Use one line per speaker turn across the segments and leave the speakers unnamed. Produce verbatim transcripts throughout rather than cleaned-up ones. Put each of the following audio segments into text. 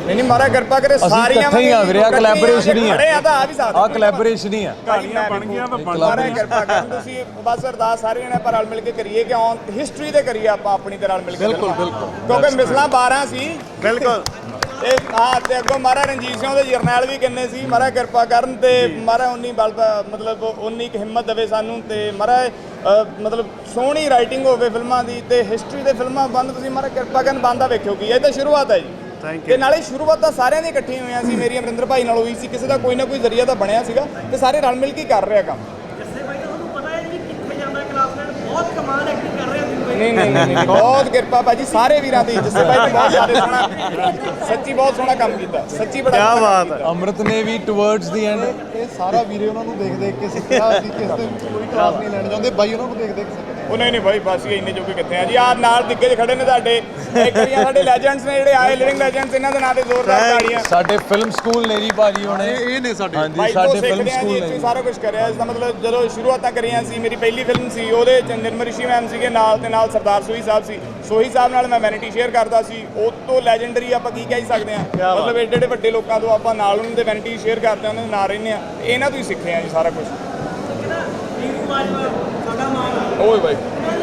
ਨਹੀਂ ਨਹੀਂ ਮਹਾਰਾਜ ਕਿਰਪਾ ਕਰੇ ਸਾਰੀਆਂ
ਇਕੱਠੇ ਹੀ ਆ ਵੀਰੇ, ਆਹ collaboration ਹੀ ਆ।
ਖੜੇ ਆ ਤਾਂ ਆ ਵੀ ਸਕਦੇ
ਆਹ collaboration ਹੀ ਆ।
ਕਹਾਣੀਆਂ ਬਣ ਗਈਆਂ ਤਾਂ ਮਹਾਰਾਜ ਕਿਰਪਾ ਕਰਨ ਤੁਸੀਂ ਬਸ ਅਰਦਾਸ ਸਾਰੇ ਜਣੇ ਪਰ ਰਲ ਮਿਲ ਕੇ ਕਰੀਏ ਕਿ ਔਨ ਹਿਸਟਰੀ ਤੇ ਕਰੀਏ ਆਪਾਂ ਆਪਣੀ ਤੇ ਰਲ ਮਿਲ ਕੇ
ਬਿਲਕੁਲ ਬਿਲਕੁਲ
ਕਿਉਂਕਿ ਮਿਸਲਾਂ ਬਾਰਾਂ ਸੀ
ਬਿਲਕੁਲ
ਤੇ ਹਾਂ ਤੇ ਅੱਗੋਂ ਮਹਾਰਾਜ ਰਣਜੀਤ ਸਿੰਘ ਦੇ ਜਰਨੈਲ ਵੀ ਕਿੰਨੇ ਸੀ ਮਹਾਰਾਜ ਕਿਰਪਾ ਕਰਨ ਤੇ ਮਹਾਰਾਜ ਉਨੀ ਬਲ ਮਤਲਬ ਉਨੀ ਕੁ ਹਿੰਮਤ ਦੇਵੇ ਸਾਨੂੰ ਤੇ ਮਹਾਰਾਜ ਮਤਲਬ ਸੋਹਣੀ ਰਾਈਟਿੰਗ ਹੋਵੇ ਫਿਲਮਾਂ ਦੀ ਤੇ ਹਿਸਟਰੀ ਦੇ ਫਿਲਮਾਂ ਬੰਦ ਤੁਸੀਂ ਮਹਾਰਾਜ ਕਿਰਪਾ ਕਰਨ ਬੰਦਾ ਵੇਖਿਓ ਕੀ ਇਹ ਤਾਂ ਸ਼ੁਰੂਆਤ ਹੈ ਜੀ ਤੇ ਨਾਲੇ ਸ਼ੁਰੂਆਤ ਤਾਂ ਸਾਰਿਆਂ ਦੀ ਇਕੱਠੀ ਹੋਈਆਂ ਸੀ ਮੇਰੀ ਅਮਰਿੰਦਰ ਭਾਈ ਨਾਲ ਹੋਈ ਸੀ ਕਿਸੇ ਦਾ ਕੋਈ ਨਾ ਕੋਈ ਜ਼ਰੀਆ ਤਾਂ ਬਣਿਆ ਸੀਗਾ ਤੇ ਸਾਰੇ ਰਲ ਮਿਲ ਕੇ ਕਰ ਰਿਹਾ ਕੰਮ ਨਹੀਂ ਨਹੀਂ ਨਹੀਂ ਬਹੁਤ ਕਿਰਪਾ ਭਾਜੀ ਸਾਰੇ ਵੀਰਾਂ ਦੀ ਜਿਸੇ ਭਾਈ ਨੇ ਬਹੁਤ ਜ਼ਿਆਦਾ ਸੋਹਣਾ ਸੱਚੀ ਬਹੁਤ ਸੋਹਣਾ ਕੰਮ ਕੀਤਾ ਸੱਚੀ ਬੜਾ
ਕੀ ਬਾਤ ਹੈ।
ਅੰਮ੍ਰਿਤ ਨੇ ਵੀ ਟੁਵਰਡਸ ਦੀ ਐਂਡ
ਇਹ ਸਾਰਾ ਵੀਰੇ ਉਹਨਾਂ ਨੂੰ ਦੇਖ ਦੇਖ ਕੇ ਸਿੱਖਿਆ ਅਸੀਂ ਕਿਸੇ ਤੇ ਕੋਈ ਕਲਾਸ ਨਹੀਂ ਲੈਣ ਜਾਂਦੇ ਬਾਈ ਉਹਨਾਂ ਨੂੰ ਦੇਖ ਦੇਖ ਸਿੱਖਦੇ
ਉਹ ਨਹੀਂ ਨਹੀਂ ਭਾਈ ਬਸ ਇੰਨੇ ਜੋਗੇ ਕਿੱਥੇ ਆ ਜੀ ਆ ਨਾਲ ਦਿੱਗੇ ਖੜੇ ਨੇ ਤੁਹਾਡੇ ਇੱਕ ਵਾਰੀਆਂ ਸਾਡੇ ਲੈਜੈਂਡਸ ਨੇ ਜਿਹੜੇ ਆਏ ਲਿਵਿੰਗ ਲੈਜੈਂਡਸ ਇਹਨਾਂ ਦੇ ਨਾਂ ਤੇ ਜ਼ੋਰਦਾਰ ਤਾੜੀਆਂ
ਸਾਡੇ ਫਿਲਮ ਸਕੂਲ ਨੇ ਜੀ ਭਾਜੀ ਹੁਣੇ
ਇਹ ਨੇ ਸਾਡੇ
ਹਾਂਜੀ
ਭਾਈ
ਸਾਡੇ
ਤੋਂ
ਫਿਲਮ
ਸਿੱਖਦੇ ਆ
ਸਕੂਲ
ਜੀ
ਨੇ
ਇੱਥੇ ਸਾਰਾ ਕੁਝ ਕਰਿਆ ਇਸ ਦਾ ਮਤਲਬ ਜਦੋਂ ਸ਼ੁਰੂਆਤਾਂ ਕਰੀਆਂ ਸੀ ਮੇਰੀ ਪਹਿਲੀ ਫਿਲਮ ਸੀ ਉਹਦੇ ਚ ਨਿਰਮਲ ਰਿਸ਼ੀ ਮੈਮ ਸੀਗੇ ਨਾਲ ਤੇ ਨਾਲ ਸਰਦਾਰ ਸੋਹੀ ਸਾਹਿਬ ਸੀ ਸੋਹੀ ਸਾਹਿਬ ਨਾਲ ਮੈਂ ਵੈਨਿਟੀ ਸ਼ੇਅਰ ਕਰਦਾ ਸੀ ਉਹ ਤੋਂ ਲੈਜੈਂਡਰੀ ਆਪਾਂ ਕੀ ਕਹਿ ਸਕਦੇ ਆ ਮਤਲਬ ਏਡੇ ਏਡੇ ਵੱਡੇ ਲੋਕਾਂ ਤੋਂ ਆਪਾਂ ਨਾਲ ਉਹਨਾਂ ਦੇ ਵੈਨਿਟੀ ਸ਼ੇਅਰ ਕਰਦੇ ਆ ਉਹਨਾਂ ਦੇ ਨਾਲ ਰਹਿੰਦੇ ਆ ਇਹਨਾਂ ਤੋਂ ਹੀ ਸਿੱਖੇ ਆ ਜੀ ਸਾਰਾ ਕੁਝ ਓਏ ਭਾਈ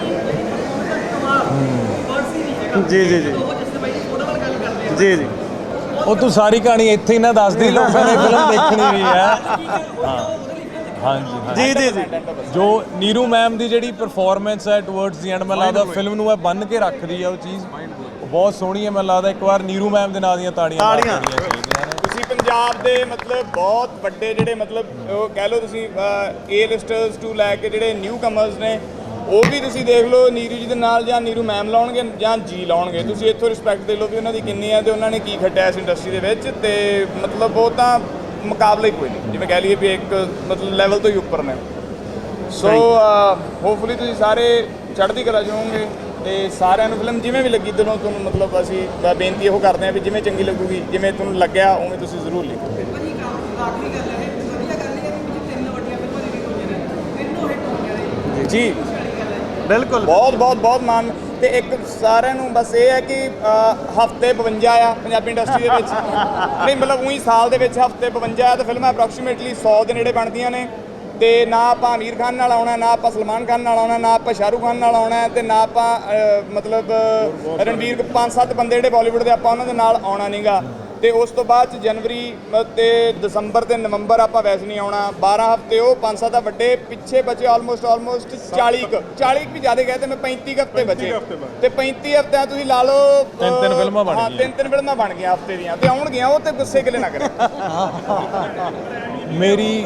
ਜੀ ਜੀ ਜੀ ਜੀ ਜੀ
ਉਹ ਤੂੰ ਸਾਰੀ ਕਹਾਣੀ ਇੱਥੇ ਹੀ ਨਾ ਦੱਸਦੀ ਲੋਕਾਂ ਨੇ ਫਿਲਮ ਦੇਖਣੀ ਵੀ ਹੈ ਹਾਂ ਹਾਂਜੀ
ਜੀ ਜੀ ਜੀ
ਜੋ ਨੀਰੂ ਮੈਮ ਦੀ ਜਿਹੜੀ ਪਰਫਾਰਮੈਂਸ ਹੈ ਟੁਵਰਡਸ ਦੀ ਐਂਡ ਮੈਨੂੰ ਲੱਗਦਾ ਫਿਲਮ ਨੂੰ ਇਹ ਬੰਨ ਕੇ ਰੱਖਦੀ ਹੈ ਉਹ ਚੀਜ਼ ਉਹ ਬਹੁਤ ਸੋਹਣੀ ਹੈ ਮੈਨੂੰ ਲੱਗਦਾ ਇੱਕ ਵਾਰ ਨੀਰੂ ਮੈਮ ਦੇ ਨਾਂ ਦੀਆਂ ਤਾੜੀਆਂ
ਤਾੜੀਆਂ।
ਚਾਹੀਦੀਆਂ ਨੇ
ਤੁਸੀਂ ਪੰਜਾਬ ਦੇ ਮਤਲਬ ਬਹੁਤ ਵੱਡੇ ਜਿਹੜੇ ਮਤਲਬ ਉਹ ਕਹਿ ਲਓ ਤੁਸੀਂ ਏ ਲਿਸਟਰਸ ਟੂ ਲੈ ਕੇ ਜਿਹੜੇ ਨਿਊ ਕਮਰਸ ਨੇ ਉਹ ਵੀ ਤੁਸੀਂ ਦੇਖ ਲਓ ਨੀਰੂ ਜੀ ਦੇ ਨਾਲ ਜਾਂ ਨੀਰੂ ਮੈਮ ਲਾਉਣਗੇ ਜਾਂ ਜੀ ਲਾਉਣਗੇ ਤੁਸੀਂ ਇੱਥੋਂ ਰਿਸਪੈਕਟ ਦੇ ਲਓ ਵੀ ਉਹਨਾਂ ਦੀ ਕਿੰਨੀ ਹੈ ਤੇ ਉਹਨਾਂ ਨੇ ਕੀ ਖੱਟਿਆ ਇਸ ਇੰਡਸਟਰੀ ਦੇ ਵਿੱਚ ਤੇ ਮਤਲਬ ਉਹ ਤਾਂ ਮੁਕਾਬਲਾ ਹੀ ਕੋਈ ਨਹੀਂ ਜਿਵੇਂ ਕਹਿ ਲਈਏ ਵੀ ਇੱਕ ਮਤਲਬ ਲੈਵਲ ਤੋਂ ਹੀ ਉੱਪਰ ਨੇ ਸੋ ਹੋਪਫੁਲੀ ਤੁਸੀਂ ਸਾਰੇ ਚੜ੍ਹਦੀ ਕਲਾ 'ਚ ਹੋਵੋਗੇ ਤੇ ਸਾਰਿਆਂ ਨੂੰ ਫਿਲਮ ਜਿਵੇਂ ਵੀ ਲੱਗੀ ਦਿਲੋਂ ਤੁਹਾਨੂੰ ਮਤਲਬ ਅਸੀਂ ਬੇਨਤੀ ਇਹੋ ਕਰਦੇ ਹਾਂ ਵੀ ਜਿਵੇਂ ਚੰਗੀ ਲੱਗੂਗੀ ਜਿਵੇਂ ਤੁਹਾਨੂੰ ਲੱਗਿਆ ਉਵੇਂ ਤੁਸੀਂ ਜ਼ਰੂਰ ਲਿਖੋ ਜੀ
ਬਿਲਕੁਲ
ਬਹੁਤ ਬਹੁਤ ਬਹੁਤ ਮਾਨ ਤੇ ਇੱਕ ਸਾਰਿਆਂ ਨੂੰ ਬਸ ਇਹ ਹੈ ਕਿ ਹਫਤੇ ਬਵੰਜਾ ਆ ਪੰਜਾਬੀ ਇੰਡਸਟਰੀ ਦੇ ਵਿੱਚ ਨਹੀਂ ਮਤਲਬ ਉਹੀ ਸਾਲ ਦੇ ਵਿੱਚ ਹਫਤੇ ਬਵੰਜਾ ਆ ਤੇ ਫਿਲਮਾਂ ਅਪਰੋਕਸੀਮੇਟਲੀ ਸੌ ਦੇ ਨੇੜੇ ਬਣਦੀਆਂ ਨੇ ਤੇ ਨਾ ਆਪਾਂ ਅਮੀਰ ਖਾਨ ਨਾਲ ਆਉਣਾ ਨਾ ਆਪਾਂ ਸਲਮਾਨ ਖਾਨ ਨਾਲ ਆਉਣਾ ਨਾ ਆਪਾਂ ਸ਼ਾਹਰੁਖ ਖਾਨ ਨਾਲ ਆਉਣਾ ਤੇ ਨਾ ਆਪਾਂ ਮਤਲਬ ਰਣਵੀਰ ਪੰਜ ਸੱਤ ਬੰਦੇ ਜਿਹੜੇ ਬਾਲੀਵੁੱਡ ਦੇ ਆਪਾਂ ਉਹਨਾਂ ਦੇ ਨਾਲ ਆਉਣਾ ਨਹੀਂਗਾ ਤੇ ਉਸ ਤੋਂ ਬਾਅਦ ਚ ਜਨਵਰੀ ਤੇ ਦਸੰਬਰ ਤੇ ਨਵੰਬਰ ਆਪਾਂ ਵੈਸੇ ਨਹੀਂ ਆਉਣਾ ਬਾਰਾਂ ਹਫ਼ਤੇ ਉਹ ਪੰਜ ਸੱਤ ਆ ਵੱਡੇ ਪਿੱਛੇ ਬਚੇ ਆਲਮੋਸਟ ਆਲਮੋਸਟ ਚਾਲੀ ਕੁ ਚਾਲੀ ਵੀ ਜ਼ਿਆਦਾ ਗਏ ਤੇ ਮੈਂ ਪੈਂਤੀ ਕੁ ਹਫ਼ਤੇ ਬਚੇ ਤੇ ਪੈਂਤੀ ਹਫ਼ਤਿਆਂ ਤੁਸੀਂ ਲਾ ਲਓ
ਤਿੰਨ ਤਿੰਨ ਫਿਲਮਾਂ ਬਣ
ਹਾਂ ਤਿੰਨ ਤਿੰਨ ਫਿਲਮਾਂ ਬਣ ਗਈਆਂ ਹਫ਼ਤੇ ਦੀਆਂ ਤੇ ਆਉਣਗੀਆਂ ਉਹ ਤੇ ਗੁੱਸੇ ਗਿਲੇ ਨਾ ਕਰੇ
ਮੇਰੀ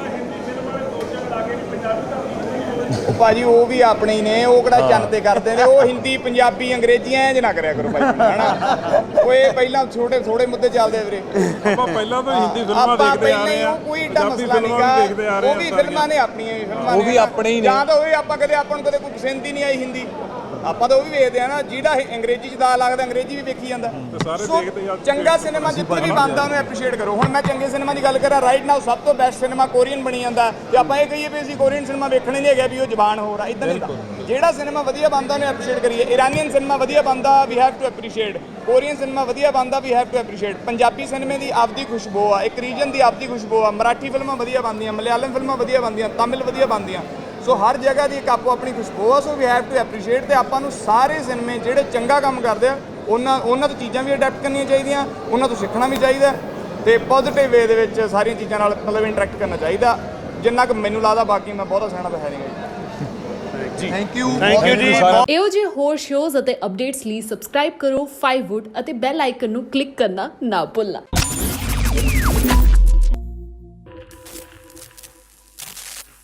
ਉਹ ਭਾਜੀ ਉਹ ਵੀ ਆਪਣੇ ਹੀ ਨੇ ਉਹ ਕਿਹੜਾ ਚੰਨ ਤੇ ਕਰਦੇ ਨੇ ਉਹ ਹਿੰਦੀ ਪੰਜਾਬੀ ਅੰਗਰੇਜ਼ੀ ਐਂ ਜ ਨਾ ਕਰਿਆ ਕਰੋ ਭਾਈ ਹਨਾ ਓਏ ਪਹਿਲਾਂ ਛੋਟੇ ਥੋੜੇ ਮੁੱਦੇ ਚੱਲਦੇ ਵੀਰੇ
ਆਪਾਂ ਪਹਿਲਾਂ ਤੋਂ ਹਿੰਦੀ ਫਿਲਮਾਂ
ਆਪਾਂ
ਦੇਖਦੇ ਆ
ਪਹਿਲਾਂ
ਰਹੇ
ਹੀ
ਆ
ਉਹ ਕੋਈ ਏਡਾ
ਪੰਜਾਬੀ
ਮਸਲਾ
ਫਿਲਮਾਂ
ਨਹੀਂਗਾ
ਵੀ ਦੇਖਦੇ ਆ ਰਹੇ
ਉਹ ਵੀ ਫਿਲਮਾਂ ਨੇ ਆਪਣੀਆਂ ਹੀ ਫਿਲਮਾਂ
ਉਹ
ਨੇ
ਵੀ ਆਪਣੇ ਹੀ ਨੇ।
ਜਾਂ ਤਾਂ ਉਹ ਆਪਾਂ ਕਦੇ ਆਪਾਂ ਨੂੰ ਕਦੇ ਕੋਈ ਪਸੰਦ ਹੀ ਨਹੀਂ ਆਈ ਹਿੰਦੀ ਆਪਾਂ ਤਾਂ ਉਹ ਵੀ ਵੇਖਦੇ ਆ ਨਾ ਜਿਹੜਾ ਅੰਗਰੇਜ਼ੀ ਚ ਦਾ ਲੱਗਦਾ ਅੰਗਰੇਜ਼ੀ ਵੀ ਵੇਖੀ ਜਾਂਦਾ
ਸਾਰੇ
ਸੋ
ਦੇਖਦੇ ਆ।
ਚੰਗਾ ਸਿਨੇਮਾ ਜਿੱਥੇ ਵੀ ਬਣਦਾ ਉਹਨੂੰ ਐਪਰੀਸ਼ੀਏਟ ਕਰੋ ਹੁਣ ਮੈਂ ਚੰਗੇ ਸਿਨੇਮਾ ਦੀ ਗੱਲ ਕਰਾਂ ਰਾਈਟ ਨਾਓ ਸਭ ਤੋਂ ਬੈਸਟ ਸਿਨੇਮਾ ਕੋਰੀਅਨ ਬਣੀ ਜਾਂਦਾ ਤੇ ਆਪਾਂ ਇਹ ਕਹੀਏ ਵੀ ਅਸੀਂ ਕੋਰੀਅਨ ਸਿਨੇਮਾ ਵੇਖਣੇ ਨਹੀਂ ਹੈਗਾ ਵੀ ਉਹ ਜ਼ਬਾਨ ਹੋਰ ਆ ਇਦਾਂ ਨਹੀਂ ਹੁੰਦਾ ਜਿਹੜਾ ਸਿਨੇਮਾ ਵਧੀਆ ਬਣਦਾ ਉਹਨੂੰ ਐਪਰੀਸ਼ੀਏਟ ਕਰੀਏ ਇਰਾਨੀਅਨ ਸਿਨੇਮਾ ਵਧੀਆ ਬਣਦਾ we have to appreciate Korean cinema ਵਧੀਆ ਬਣਦਾ we have to appreciate Punjabi ਸਿਨੇਮੇ ਦੀ ਆਪਦੀ ਖੁਸ਼ਬੂ ਆ ਇੱਕ ਰੀਜਨ ਦੀ ਆਪਦੀ ਖੁਸ਼ਬੂ ਆ ਮਰਾਠੀ ਫਿਲਮਾਂ ਵਧੀਆ ਬਣਦੀਆਂ ਮਲਿਆਲਮ ਫਿਲਮਾਂ ਵਧੀਆ ਬਣਦੀਆਂ ਤਮਿਲ ਵਧੀਆ ਬਣਦੀਆਂ ਸੋ ਹਰ ਜਗ੍ਹਾ ਦੀ ਇੱਕ ਆਪੋ ਆਪਣੀ ਖੁਸ਼ਬੂ ਆ so we have to appreciate ਤੇ ਆਪਾਂ ਨੂੰ ਸਾਰੇ ਸਿਨੇਮੇ ਜਿਹੜੇ ਚੰਗਾ ਕੰਮ ਕਰਦੇ ਆ ਉਹਨਾਂ ਉਹਨਾਂ ਤੋਂ ਚੀਜ਼ਾਂ ਵੀ ਅਡੈਪਟ ਕਰਨੀਆਂ ਚਾਹੀਦੀਆਂ ਉਹਨਾਂ ਤੋਂ ਸਿੱਖਣਾ ਵੀ ਚਾਹੀਦਾ ਤੇ ਪੋਜ਼ਿਟਿਵ ਵੇ ਦੇ ਵਿੱਚ ਸਾਰੀਆਂ ਚੀਜ਼ਾਂ ਨਾਲ ਮਤਲਬ ਇੰਟਰੈਕਟ ਕਰਨਾ ਚਾਹੀਦਾ ਜਿੰਨਾ ਕਿ ਮੈਨੂੰ ਲੱਗਦਾ ਬਾਕੀ ਮੈਂ ਬਹੁਤਾ ਸਿਆਣਾ ਤਾਂ ਹੈ ਨਹੀਂ ਜੀ
ਥੈਂਕ ਯੂ
ਥੈਂਕ ਯੂ ਜੀ
ਇਹੋ ਜਿਹੇ ਹੋਰ ਸ਼ੋਜ਼ ਅਤੇ ਅਪਡੇਟਸ ਲਈ ਸਬਸਕ੍ਰਾਈਬ ਕਰੋ ਫਾਈਵ ਵੁੱਡ ਅਤੇ ਬੈਲ ਆਈਕਨ ਨੂੰ ਕਲਿੱਕ ਕਰਨਾ ਨਾ ਭੁੱਲਣਾ।